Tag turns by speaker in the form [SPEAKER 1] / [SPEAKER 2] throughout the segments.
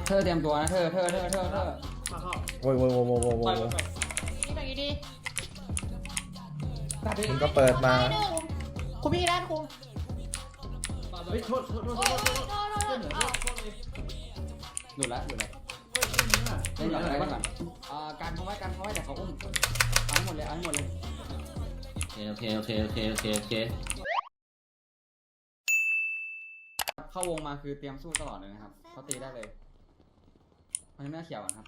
[SPEAKER 1] เธอเตรียมตัวนะเธอ
[SPEAKER 2] มาเข้า
[SPEAKER 3] โว้ยโว้ยโว้ยโว้ยโว้ยโว้
[SPEAKER 2] ไป
[SPEAKER 3] ย
[SPEAKER 2] ไป
[SPEAKER 4] นี่ตรงนี้ดี
[SPEAKER 2] ตัดดิ
[SPEAKER 3] มึงก็เปิดมา
[SPEAKER 4] หนึ่งคุณพี่ด้านคุณ
[SPEAKER 2] เฮ้ยโทษ
[SPEAKER 4] โอ้ยโทษโทษ
[SPEAKER 2] เหนือ
[SPEAKER 4] โทษ
[SPEAKER 2] โทษเลย
[SPEAKER 1] หลุดแล้วเล่นก่อนเล่นก่อนการเขาไว้แต่เขาอุ้มเอาให้หมดเลย
[SPEAKER 5] โอเค
[SPEAKER 1] เข้าวงมาคือเตรียมสู้ตลอดเลยนะครับเขาตีได้เลยเพราะฉะนั้นเขียวครับ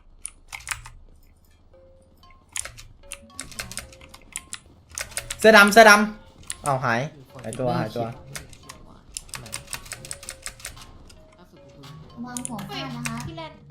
[SPEAKER 3] เสื้อดำเอาหายตัว
[SPEAKER 6] วางหัวฟาดนะคะ
[SPEAKER 4] พี่แลน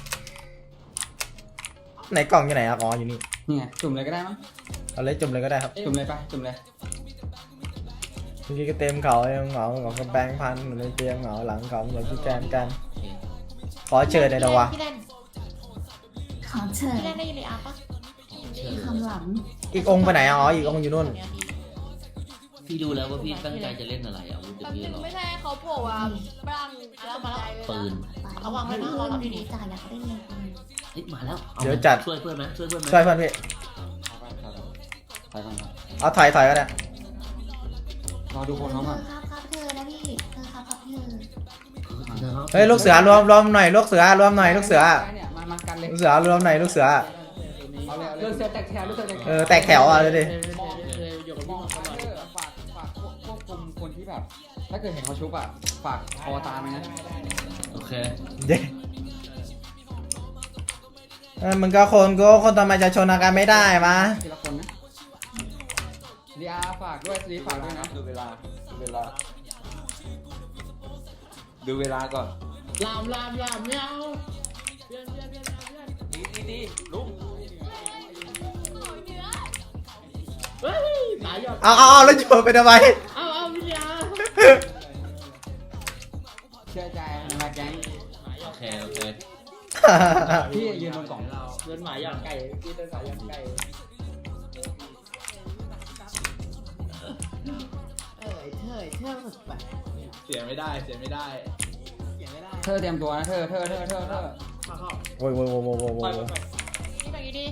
[SPEAKER 3] ไหนกล่องอยู่ไหนครับอ๋ออยู่นี่
[SPEAKER 1] นี่ไงจุ่มเลยก็ได้มั้ง
[SPEAKER 3] เอาเลยจุ่มเลยก็ได้ครับ
[SPEAKER 1] จุ่มเลยไปจุ่มเลย
[SPEAKER 3] เมื่อกี้ก็เต็มเขาเหงาก็แบงค์พันเหมือนในเตียงเหงาหลังเขาเหมือนพี่แกนกันขอเชิญเลยนะวะ
[SPEAKER 4] พี่แลน
[SPEAKER 6] ขอเชิญ
[SPEAKER 4] พี่แลนได้ยินเลยอ่ะปะ
[SPEAKER 6] คำหลัง
[SPEAKER 3] อีกองค์ไปไหนอ๋ออีกองค์อยู่นู่น
[SPEAKER 5] พี่ดูแล้วว่าพี่ตั้งใจจะเล่นอะไรอาวุธเดี๋ยวพี่รอ
[SPEAKER 4] ไม่ใช่เขาโผล่ว่าบ้างแล้วมาแล้ว
[SPEAKER 5] ปืน
[SPEAKER 4] เอาวางไว้นะรอเราดีๆ
[SPEAKER 6] จ่าอยากได้เงิน
[SPEAKER 5] เฮ้ยมาแล้วอา
[SPEAKER 3] เดี๋ยวจัด
[SPEAKER 5] ช่วยเพื่อนไหม
[SPEAKER 3] ช่วยเพื่อนพี่
[SPEAKER 1] ไปก่อนครับ
[SPEAKER 3] เอาถอยก็ได้
[SPEAKER 1] รอดูคนเขาก่อน
[SPEAKER 6] ครับเธอนะพี่เธอครับเธอ
[SPEAKER 3] เฮ้ยลูกเสือรวมหน่อยลูกเสือรวมหน่อยลูกเสือ
[SPEAKER 1] เนี่ยมากันเลย
[SPEAKER 3] ลูกเสือรวมหน่อยลูกเสือ
[SPEAKER 1] เอาเลยเรื่องเสือแตกแถว
[SPEAKER 3] แตกแถวอ่ะเลยดิ
[SPEAKER 2] อยู่กับ
[SPEAKER 1] ม
[SPEAKER 2] พี่
[SPEAKER 1] อง
[SPEAKER 2] น้อง
[SPEAKER 1] ฝา
[SPEAKER 2] ตลอด
[SPEAKER 1] กควบคุมคนที่แบบถ้าเกิดเห็นเขาชุบอ่ะฝากคอตามไปนะ
[SPEAKER 5] โอเค
[SPEAKER 3] เย้มึงก็คนทำไมจะชนกันไม่ได้มา
[SPEAKER 1] ทีละคนนะดีอาฝากด้วยซีฝากด้วยนะดูเวลาก่อน
[SPEAKER 2] ลามไม่เอาเพื่อน
[SPEAKER 1] ดีลุง
[SPEAKER 2] เฮ้ยหายหยอด
[SPEAKER 3] เอาแล้วโยนไปทำไม
[SPEAKER 2] เอาพี่ยา
[SPEAKER 1] เชื่อใจมาแก๊ง
[SPEAKER 5] โอเค
[SPEAKER 1] พี่ยืนบนกล่อง
[SPEAKER 2] เดินหมาหยอดไก่พี่เดินหมาหยอดไก่
[SPEAKER 7] เสียไม่ได้
[SPEAKER 1] เธอเตรียมตัวนะเธอ
[SPEAKER 2] มาเข้า
[SPEAKER 3] โว้ย
[SPEAKER 2] ไป
[SPEAKER 4] นี่ตรงนี้ดี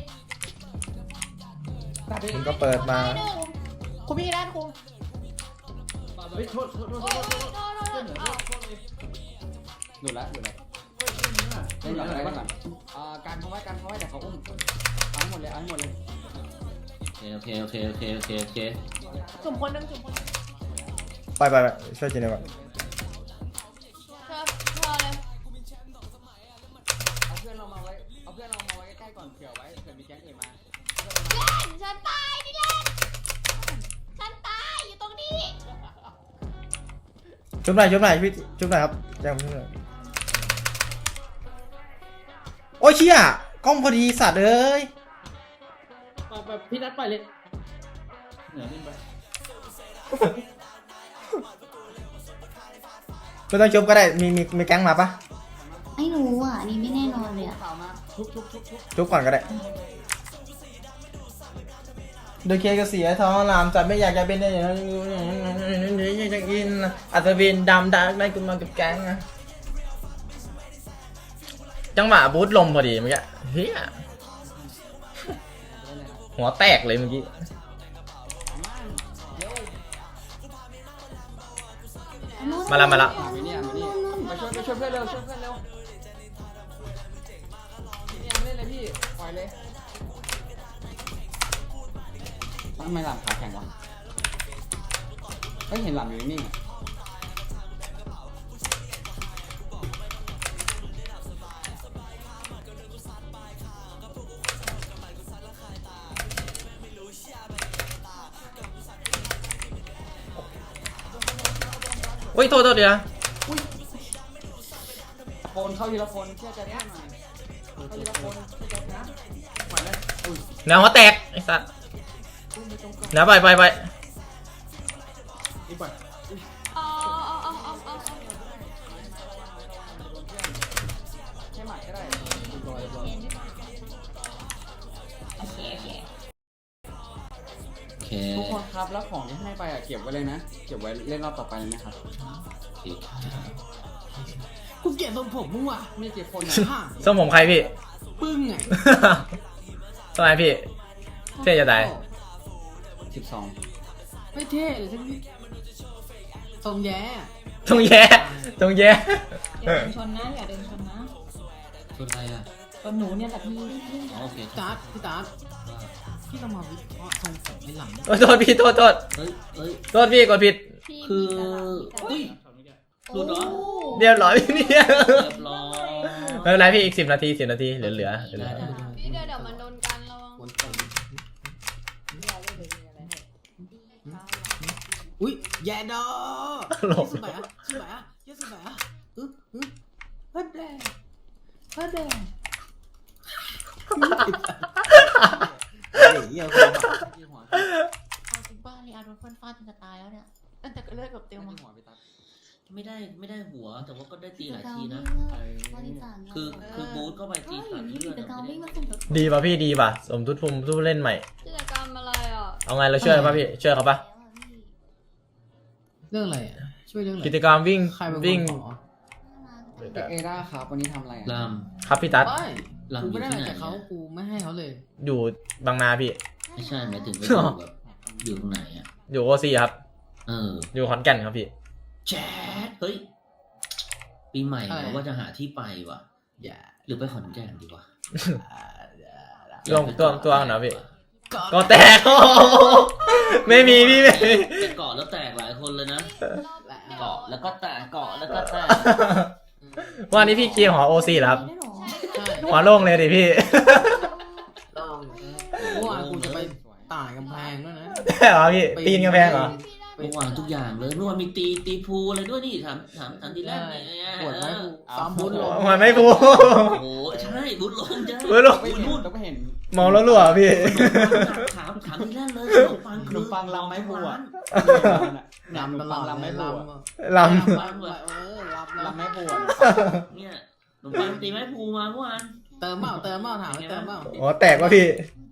[SPEAKER 2] ตัดดิ
[SPEAKER 3] มึงก็เปิดมา
[SPEAKER 4] หนึ่งคุณพี่ด้านคุณ
[SPEAKER 2] เฮ้ยโทษ
[SPEAKER 4] โอ้ยโทษโทษโทษ
[SPEAKER 1] หลุดแล้วเล่นก่อนการเขาไว้แต่เขาอุ้มเอาให้หมดเลย
[SPEAKER 5] โอเค
[SPEAKER 4] จุ่มคนนึงจุ่มคน
[SPEAKER 3] ไปช่วยจีนเลยก่อน
[SPEAKER 4] เธอเลย
[SPEAKER 1] เอาเพื่อนเรามาไว้ใกล้ๆก่อนเผื่อมีแก๊งอื่นมา
[SPEAKER 4] เล่นฉันตายนี่เล่นฉันตายอยู่ตรงนี้
[SPEAKER 3] ชุบหน่อยพี่ชุบหน่อยครับแจ้งชุบหน่อยโอ้ยเชี่ยกล้องพอดีสัตว์เอ้ย
[SPEAKER 2] ไปพี่นัดไปเลยเหนือนิ่งไป
[SPEAKER 3] ไม่ต้องชุบก็ได้มีแก๊งมาปะ
[SPEAKER 6] ไม่รู้อ่ะนี่ไม่แน่นอนเลยอ่ะ
[SPEAKER 1] ข่าวมาชุบ
[SPEAKER 3] ชุบก่อนก็ได้โดยเคก็เสียท้องลามจัดไม่อยากจะเป็นอย่างนั้นอยากกินอัศวินดำได้กูมากับแก๊งนะจังหวะบูทลมพอดีเมื่อกี้เฮียหัวแตกเลยเมื่อกี้มาละ
[SPEAKER 1] มานี่มาช่วยเพื่อนเร็วนี่เล่นเลยพี่ปล่อยเลยทำไมหลับขาแข็งวะเห็นหลับอยู่นิ่ง
[SPEAKER 3] โอ้ยโทษเดี๋ยว
[SPEAKER 1] คนเข้าทีละคนเชื่อใจเพื่อนหน่อยเข้าทีละคนเชื่อใจนะปล่อยเลย
[SPEAKER 3] แนวหัวแตกไอ้สัสแนวไป
[SPEAKER 2] อีกไป
[SPEAKER 4] เอา
[SPEAKER 1] ใช่ไหมก็ได้
[SPEAKER 5] โอเค
[SPEAKER 1] ทุกคนครับแล้วของที่ให้ไปเก็บไว้เลยนะเก็บไว้เล่นรอบต่อไปเลยนะครับ
[SPEAKER 5] โอเค
[SPEAKER 4] คุณ
[SPEAKER 7] เกลียดทรงผมมึงว่ะ
[SPEAKER 1] ไม่กี่คน
[SPEAKER 7] ห่า
[SPEAKER 3] ทรงผมใครพี่
[SPEAKER 7] ปึ้งไง
[SPEAKER 3] ทำไมพี่ เท่จะตาย
[SPEAKER 1] 12
[SPEAKER 7] ไม่เท่เลยทั้งนี้ทรงแย่
[SPEAKER 3] ตรงแย่ตรงแย่
[SPEAKER 4] อย่าเดินชนนะอย่าเดินชนนะ
[SPEAKER 5] ชนอะไรอ่ะ
[SPEAKER 4] ชนหนูเนี่ยแต่พี่
[SPEAKER 5] อ๋อโอเค
[SPEAKER 7] พี่ตาร์ทพี่ตาร์ทพี่ต้องมาวิเคราะห์ทรงผมในหลัง
[SPEAKER 3] โทษพี่โทษ
[SPEAKER 5] เฮ้ย
[SPEAKER 3] โทษพี่กดผิด
[SPEAKER 4] พี่
[SPEAKER 5] คือ
[SPEAKER 4] อุ้ย
[SPEAKER 5] หลุดเหรอ
[SPEAKER 3] เรียบร้อยพี่เนี่ย
[SPEAKER 5] เรียบร้อย
[SPEAKER 3] ไม่เป็นไรพี่อีก10 นาทีเหลือ
[SPEAKER 5] ได้
[SPEAKER 4] พี่เดี๋ยวมันโดนกันระวัง
[SPEAKER 7] อุ้ยแย่ดอ
[SPEAKER 3] หลบ
[SPEAKER 7] สบายอ่ะสบายอ่ะเยอะสบายอ่ะฮัดแดงฮัดแดงเหี้ยคน
[SPEAKER 6] เอาจริงป้านี่อาร์ตเฟิร์นฟาดจนจะตายแล้วเนี่ยตั้งแต่เลือดแบบเต็มมา
[SPEAKER 5] ไม่ได้หัวแต่ว่าก็ได้ตีหลายทีนะ
[SPEAKER 6] บริจาค
[SPEAKER 5] คือบูทเข้าไปตีตัดเลือด
[SPEAKER 6] แต่กา
[SPEAKER 5] อะ
[SPEAKER 6] วิ่ง
[SPEAKER 5] ไม่
[SPEAKER 6] มา
[SPEAKER 5] ได้
[SPEAKER 6] สมทบ
[SPEAKER 3] ดีป่ะพี่ดีป่ะสมทุนภูมิผู้เล่นใหม่
[SPEAKER 4] กิจกรรมอะไรอ่ะ
[SPEAKER 3] เอาไงเราช่วยป่ะพี่ช่วยเขาป่ะ
[SPEAKER 7] เรื่องอะไรอ่ะช่วยเรื่องอะไร
[SPEAKER 3] กิจกรรมวิ่ง
[SPEAKER 7] ใครเป็นคน
[SPEAKER 3] วิ่ง
[SPEAKER 7] ขอ
[SPEAKER 1] เอร่าครับวันนี้ทำอะไร
[SPEAKER 5] ล
[SPEAKER 3] ครับพี่ตั๊ด
[SPEAKER 7] ไม่
[SPEAKER 5] ลำ
[SPEAKER 7] กู
[SPEAKER 5] อยู่
[SPEAKER 7] ไม่ได้
[SPEAKER 5] ที่
[SPEAKER 7] อะไร
[SPEAKER 5] ไหน
[SPEAKER 7] จากเขากูไม่ให้เขาเลย
[SPEAKER 3] อยู่บางนาพี่
[SPEAKER 5] ไม่ใช่หมายถึงว่าอยู่แบบอยู่ตรงไหนอ่ะ
[SPEAKER 3] อยู่โอซีครับ อยู่ขอนแก่นครับพี่
[SPEAKER 5] แจ๊ดเฮ้ย ปีใหม่เราว่าจะหาที่ไปว่ะ
[SPEAKER 7] อย่า
[SPEAKER 5] หรือไปขอนแก่นดีวะ
[SPEAKER 3] ลงตัวหน่อยพี่ก็แตก ไม่มีพี่ไม่มี
[SPEAKER 5] ไปเกาะแล้วแตกหลายคนเลยนะ เกาะแล้วก็แตกเกาะแล้วก็แตก
[SPEAKER 3] วันนี้พี่เคลียร์หอโอซีเหรอครับ
[SPEAKER 6] ได้หรอ
[SPEAKER 7] ใช่
[SPEAKER 3] หัวโล่งเลยดิพี่
[SPEAKER 7] ลองเมื่อวานกูจะไปต่ายกำแพงด้วยนะ
[SPEAKER 3] ใช่เหรอพี่ปีนกำแพงเหรอ
[SPEAKER 5] เมื่อวานทุกอย่างเลยเมื่อวานมีตีพูอะไรด้วยนี่ถามทีแรกเนี่ย
[SPEAKER 7] ปวดไหมกูซ้อมบุญลง
[SPEAKER 3] มันไม่พู
[SPEAKER 5] โอ้โหใช่บุญลงจ้า
[SPEAKER 3] บุญลง
[SPEAKER 1] ไม่เห็นต้องไปเห็น
[SPEAKER 3] เมาแล้วรั่วพี่
[SPEAKER 5] ถามทีแรกเลยขนมปัง
[SPEAKER 1] ลำไม้พลูอ่ะ
[SPEAKER 7] ลำตลอด
[SPEAKER 1] ลำไม้พลู
[SPEAKER 3] ล
[SPEAKER 7] ลำลำลำ
[SPEAKER 1] ลำไม้พลูอ่ะ
[SPEAKER 5] เนี่ยขนมปังตีไม้พูมาเมื่อวาน
[SPEAKER 7] เติมเปล่าเติมเปล่าถามไปเติมเปล่า
[SPEAKER 3] ำหัวแตกวะพี่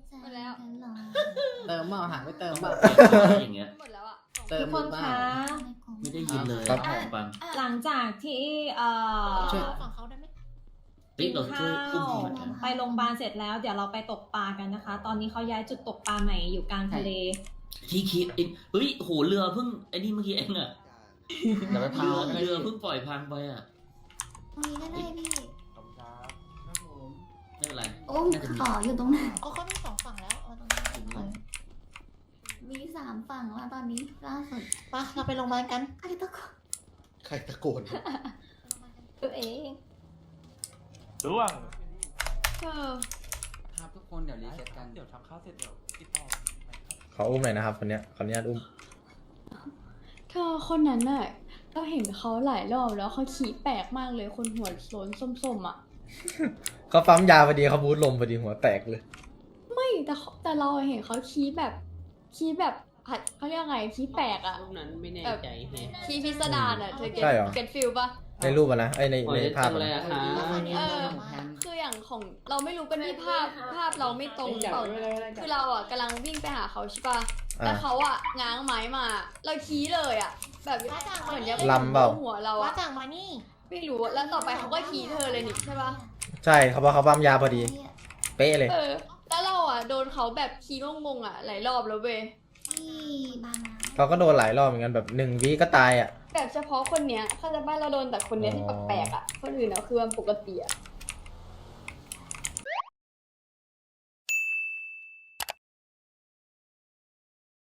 [SPEAKER 7] เติมเปล่าถามไปเติมเปล่า
[SPEAKER 5] อย่างเงี้ย
[SPEAKER 4] หมดแล้วอ่ะ
[SPEAKER 7] เติม
[SPEAKER 8] ทุกคน
[SPEAKER 7] เปล่า
[SPEAKER 8] คะ
[SPEAKER 5] ไม่ได้ยินเลย
[SPEAKER 3] ครับ
[SPEAKER 5] ขนมปัง
[SPEAKER 8] หลังจากที่
[SPEAKER 7] ช่วย
[SPEAKER 6] ฝั่งเขาได้ไหม
[SPEAKER 5] เฮ้ยเราช่วยอุ้ม
[SPEAKER 8] ข้าว
[SPEAKER 5] มันนะ
[SPEAKER 8] ไปโรงพยาบาลเสร็จแล้ว เดี๋ยวเราไปตกปลากันนะคะ ตอนนี้เขาย้ายจุดตกปลาใหม่อยู่กลางทะเล
[SPEAKER 5] ที่คิดเฮ้ยโหเรือเพิ่งไอ้นี่เมื่อกี้เองอะ
[SPEAKER 1] เดี๋ยวไปพา
[SPEAKER 5] เรือเพิ่งปล่อยพังไปอะ
[SPEAKER 6] ตรงนี้ก็ได้พี่
[SPEAKER 5] ไม่เป็นไร
[SPEAKER 6] โอ้มขออยู่ตรงนั้นอ๋อเขามี2ฝั่งแล้วเอาตรงนี้มี3ฝั่งแล้วตอนนี้ล่าสุดปะเราไปโรงพยาบาลกันใครตะโกน
[SPEAKER 1] ใครตะโกน
[SPEAKER 4] ตัวเอง
[SPEAKER 2] ร่วง
[SPEAKER 1] ครับทุกคนเดี๋ยวรีเซ็ตกัน
[SPEAKER 2] เดี๋ยวทำข้าวเสร็จเดี๋ยวติดต่อ
[SPEAKER 3] ขออุ้มหน่อยนะครับคนเนี้ยขออนุญาตอุ้ม
[SPEAKER 9] เธอคนนั้นน่ะก็เห็นเขาหลายรอบแล้วเขาขี่แปลกมากเลยคนหัวโล้นส้มๆอ่ะ
[SPEAKER 3] เขาปั๊มยาพอดีเขาบูทลมพอดีหัวแตกเลย
[SPEAKER 9] ไม่แต่เราเห็นเขาขี่แบบเขาเรียกไงขี่แปลกอ่ะ
[SPEAKER 7] รูปนั้นไม่แน่ใจแฮะ
[SPEAKER 4] คีพิสดารอ่ะเธอเก็ต
[SPEAKER 3] ใช่เหรอ
[SPEAKER 4] เก็ตฟิลป่ะ
[SPEAKER 3] ในรูปอะนะไอยในภาพอะนะ
[SPEAKER 4] คืออย่างของเราไม่รู้กันที่ภาพเราไม่ตรงเปล่าคือเราอ่ะกำลังวิ่งไปหาเขาใช่ป่ะแล้วเขาอ่ะง้างไม้มา เราขี้เลยอ่ะ แบบเหมือนยัง
[SPEAKER 3] ลำเปล่า
[SPEAKER 4] หัวเรา
[SPEAKER 6] ว่า
[SPEAKER 4] อ่ะ
[SPEAKER 6] จากมานี่
[SPEAKER 4] ไม่รู้แล้วต่อไปเขาก็ขี้เธอเลยนี่ใช่ป่ะ
[SPEAKER 3] ใช่เขาบอกเขาปั๊มยาพอดี เป๊ะเลย
[SPEAKER 4] แล้วเราอ่ะโดนเขาแบบขี้งงๆอ่ะหลายรอบแล้วเว้ย
[SPEAKER 6] ที่บางนา
[SPEAKER 3] เขาก็โดนหลายรอบเหมือนกันแบบ1 วิก็ตายอ่ะ
[SPEAKER 4] แบบเฉพาะคนเนี้ยเขาจะบ้านเราโดนแต่คนเนี้ยที่แปลกๆอ่ะคนอื่นอ่ะคือมันปกติอ่ะ